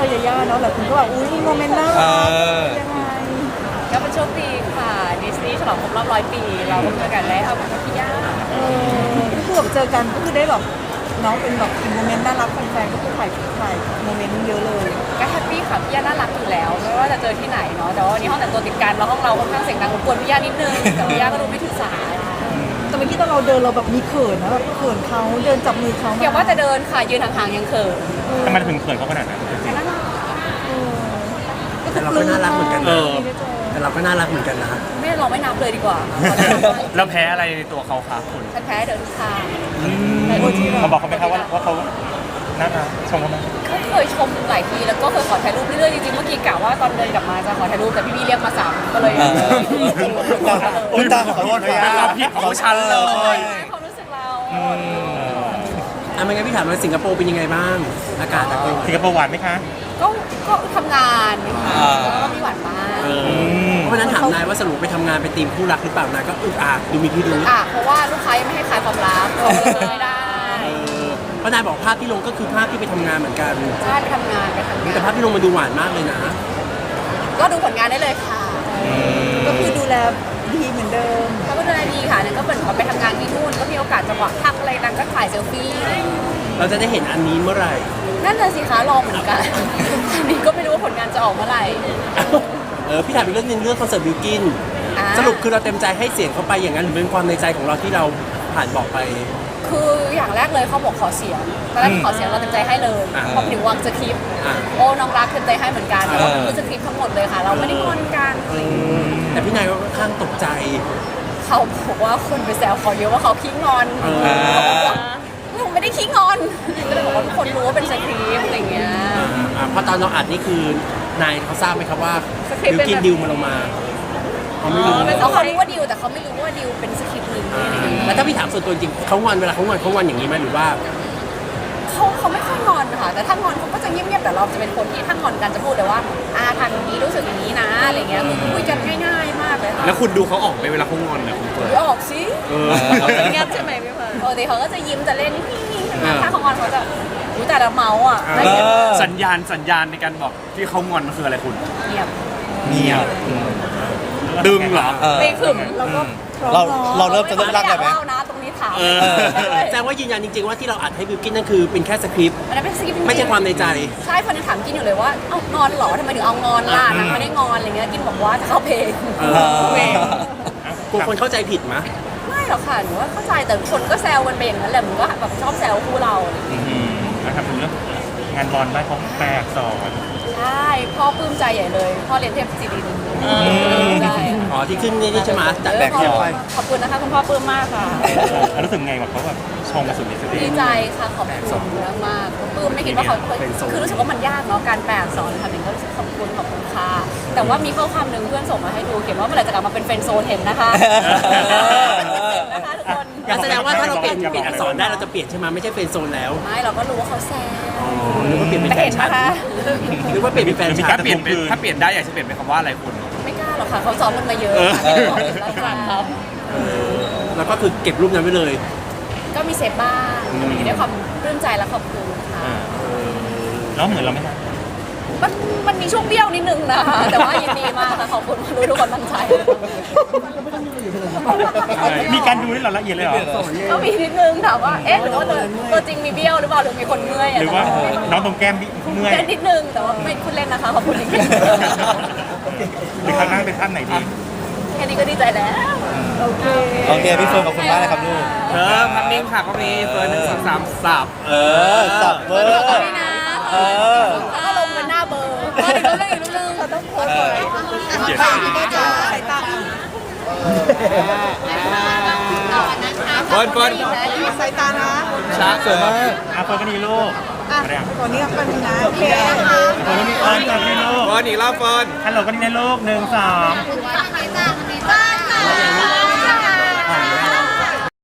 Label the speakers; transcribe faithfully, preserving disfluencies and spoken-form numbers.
Speaker 1: อยาย่าเนาะหลายคนก็แบบอุ้ยมีโมเมนต์น่ารักยังไง
Speaker 2: ก็เป็นโชคดีค่ะดิสนีย์ฉลองครบรอบร้อยปีเราก็เจอกันแล้วกับพี่ย่า
Speaker 1: เออก็คือแบบเจอกันก็คือได้แบบน้องเป็นแบบโมเมนต์น่ารักแฟนๆก็คือถ่ายถ่ายโมเมนต์เยอะเลย
Speaker 2: ก็แฮปปี้ค่ะพี่ย่าน่ารักอยู่แล้วไม่ว่าจะเจอที่ไหนเนาะแต่ว่าวันนี้ห้องแต่งตัวติดกันแล้วห้องเราค่อนข้างเสียงดังรบกวนพี่ย่านิดนึงแต่พี่ย่าก็ดูไม่ถือสา
Speaker 1: แต่เมื่อกี้ตอนเราเดินเราแบบมีเขินนะแบบเขินเขาเดินจับมือเขา
Speaker 2: อย่าว่าจะเดินค่ะยืนห่างๆยังเขิน
Speaker 3: ทำไมถึงเขินเขาขนาดนั้น
Speaker 4: แต่เราก็น่ารักเหมือนกันนะแต่เราก็น่ารักเหมือนกันนะ
Speaker 2: ไม่เราไม่นับเลยดีกว่า
Speaker 3: แล้วแพ้อะไรในตัวเขาคะคุณ
Speaker 2: ฉันแพ้เดินทุกทาง
Speaker 3: เขาบอกเขาไหมครับว่าว่าเขาน่ารักชมเขาไหม
Speaker 2: เขาเคยชมหลายทีแล้วก็เคยขอถ่ายรูปเรื่อยๆจริงๆเมื่อกี้กะว่าตอนเดินกลับมาจะขอถ่ายรูปแต่พี่พี่เรียกมาสามก็เลย
Speaker 3: อุ้ยตาขอโทษเป็นความผิดของฉันเลย
Speaker 2: ความรู้สึกเรา
Speaker 4: อ่ะไม่งั้นพี่ถามว่าสิงคโปร์เป็นยังไงบ้างอากาศ
Speaker 3: สิงคโปร์หวานไหมคะ
Speaker 2: ก็ก็ทำงานแล้วก็มีหวานมาก
Speaker 4: เพราะนั้นถามนายว่าสรุปไปทำงานเป็นทีมคู่รักหรือเปล่านายก็อึดอัดดูมีพิรุธ
Speaker 2: อ่ะเพราะว่าลูกค้ายังไม่ให้ขายความลับไม่ได้
Speaker 4: เพราะนายบอกภาพที่ลงก็คือภาพที่ไปทำงานเหมือนกัน
Speaker 2: ใช่ไปทำงานไปทำงาน
Speaker 4: แต่ภาพที่ลงมาดูหวานมากเลยนะ
Speaker 2: ก็ดูผลงานได้เลยค่ะ
Speaker 1: ก็คือดูแลดีเหมือนเดิม
Speaker 2: เขาก็ดูแลดีค่ะนั่นก็เหมือนกับไปทำงานที่นู่นก็มีโอกาสจังหวะพักอะไรนั้นก็ถ่ายเซลฟี่
Speaker 4: เราจะได้เห็นอันนี้เมื่อไหร่
Speaker 2: นั่นเลยสิคะรอเหมือนกันอันนี้ก็ไม่รู้ว่าผลงานจะออกเมื่อไหร่
Speaker 4: เออพี่ถามอีกเรื่องนึงเรื่องคอนเสิร์ตบิวกินสรุปคือเราเต็มใจให้เสียงเขาไปอย่างนั้นหรือเป็นความในใจของเราที่เราผ่านบอกไป
Speaker 2: คืออย่างแรกเลยเขาบอกขอเสียงตอนแรกขอเสียงเราเต็มใจให้เลยพอถึงวางสคริปต์โอ้น้องรักเต็มใจให้เหมือนกันแต่ว่าคือสคริปต์ทั้งหมดเลยค่ะเราไม่ได้งอนกัน
Speaker 4: แต่พี่นายก็ค่อนข้างตกใจ
Speaker 2: เขาบอกว่าคนไปแซวเขาเยอะว่าเขาขี้งอนเราไม่ได้ขี้งอนก็เลยบอกว่าทุกคนรู้ว่าเป็นสคริปต์อะไรเงี้ย
Speaker 4: เพราะตอนเราอัดนี่คือนายเขาทราบไหมครับว่าดิวกินดิวมาลงมา
Speaker 2: เขาไม่รู้เขารู้ว่าดิวแต่เขาไม่รู้ว่าดิวเป็นสคริปต์หรืออะไรอย่างเงี้ย
Speaker 4: แล้วถ้าพี่ถามส่วนตัวจริงเขางอนเวลาเขางอนเขางอนอย่างนี้ไหมหรือว่า
Speaker 2: เขาเขาไม่ค่อยงอนค่ะแต่ถ้างอนเขาก็จะเงียบๆแต่เราจะเป็นคนที่ถ้างอนกันจะพูดแต่ว่าอาทำอย่างนี้รู้สึกอย่างนี้นะอะไรเงี้ยคุยกันง่ายๆมากเลยค่ะ
Speaker 3: แล้วคุณดูเขาออกไปเวลาเขางอนนะคุณเฟิร์
Speaker 2: นออกสิเงียบใช่ไหมพี่เฟิร์นปกติเขาก็จะยิ้มจะเล่นถ้าเขางอนเขาจะอุ้ยแต่ละเมาส์อ่ะ
Speaker 3: สัญญาณสัญญาณในการบอกที่เขางอนมันคืออะไรคุณ
Speaker 2: เงียบ
Speaker 3: เงียบดึงเหรอ
Speaker 2: ไม่ขึมแล้วก็
Speaker 5: เราเราเริ่มจะเริ่มรักได้ไหม
Speaker 2: นะตรงนี้ถาม
Speaker 4: แสดงว่ายืนยันจริงๆว่าที่เราอัดให้บิวกินนั่นคือเป็นแค่สคริปต์ไม่ใช่ความในใจ
Speaker 2: ใช่คนถามกินอยู่เลยว่าเอางอนหรอทำไมถึงเอางอนล่ะนางไม่ได้งอนอะไรเงี้ยกินบอกว่าจะเข้าเพลง
Speaker 4: กลัวคนเข้าใจผิดมั้ย
Speaker 2: ไม่หรอกค่ะหนูว่าเข้าใจแต่คนก็แซวกันไปอย่างนั้นแหละมันก็แบบชอบแซวคู่เรา
Speaker 3: นะครับถึงเรื่องงานบอลได้ของแปลกสอน
Speaker 2: ใช่พ่อปลื้มใจใหญ่เลยพ่อเรียนเทพศิรินทร์
Speaker 4: อ๋อที่ขึ้นนี่ใช่ไหมจัดแบกเที่ยวไป
Speaker 2: ขอบคุณนะคะคุณพ่อปลื้มมากค่ะ
Speaker 3: รู้สึกไงว่าเขาแบบชมมาสุดฤทธิ์
Speaker 2: ดีใจค่ะขอบคุณมากมากปลื้มไม่คิดว่าเขาคือรู้สึกว่ามันยากเนาะการแปลสอนทำเองก็รู้สึกขอบคุณขอบคุณค่ะแต่ว่ามีข้อความหนึ่งเพื่อนส่งมาให้ดูเขียนว่าเมื่อไหร่จะกลับมาเป็นเฟรนด์โซนเห็นนะคะ
Speaker 4: นะคะทุกคนแสดงว่าถ้าเราเปลี่ยนเปลี่ยนอักษรได้เราจะเปลี่ยนใช่ไหมไม่ใช่เฟรนด์โซนแล้ว
Speaker 2: ไม่เราก็รู้ว่าเขาแซว
Speaker 4: อ๋อหรือว่าเปลี่ยนเป็นแฟนฉันหรือว่าเปลี่ยนเป็นแฟนฉัน
Speaker 3: ถ้าเปลี่ยนถ้าเปลี่ยนได้อยากจะเปลี่ยนเป็นคำว่าอะไรคุณ
Speaker 2: ไม่กล้าหรอกค่ะเขาซ้อมมันมาเยอะครับ
Speaker 4: แล้วก็คือเก็บรูปนั้นไว้เลย
Speaker 2: ก็มีเซฟบ้างด้วยความปลื้มใจและขอบคุณค่ะ
Speaker 3: แล้วเหมือนเราไหม
Speaker 2: มันมันมีช่วงเบี้ยวนิดนึงนะคะแต่ว่ายินดีมากค่ะขอบคุณรู้ทุกคนตั้งใจ
Speaker 3: มีการดูที่เราละเอียดเลยเหรอ
Speaker 2: ก็มีนิดนึงถามว่าเอ๊ะหรือว่าตัวจริงมีเบี้ยวหรือเปล่าหรือมีคนเมื่อย
Speaker 3: หรือว่าน้องตรงแก้มเมื่อย
Speaker 2: นิดนึงแต่ว่าไม่คุณเล่นนะคะขอบคุณจริง
Speaker 3: หรือข้างหน้าเป็นท่านไหนดี
Speaker 2: แค่นี้ก็ดีใจแล้ว
Speaker 1: โอเค
Speaker 5: โอเคพี่เฟิร์นขอบคุณมากนะครับลูก
Speaker 3: เออพักนิ่งค่ะก็มีเฟิร์นหนึ่งสองสามสับ
Speaker 5: เออสับเบอร์
Speaker 2: เออถ้าลงเป็นหน้าเบอร์ก็อีกเรื่องอีกเรื่องเขาต้องโพสต์เลยใครที่ไม่จ่ายตา
Speaker 3: เฟิร์นเฟิร์น
Speaker 1: สายตานะ
Speaker 3: ช้าสวยมากอ่ะเฟิร์นก็ดีลูก
Speaker 1: ตัวนี้ก็เป็นนะโอเค
Speaker 3: เฟิร์นก็มีเฟิร์นก็ดีลูกเฟิร์นอีกรอบเฟิร์นฮัลโหลก็ดีนะลูกหนึ่งสอง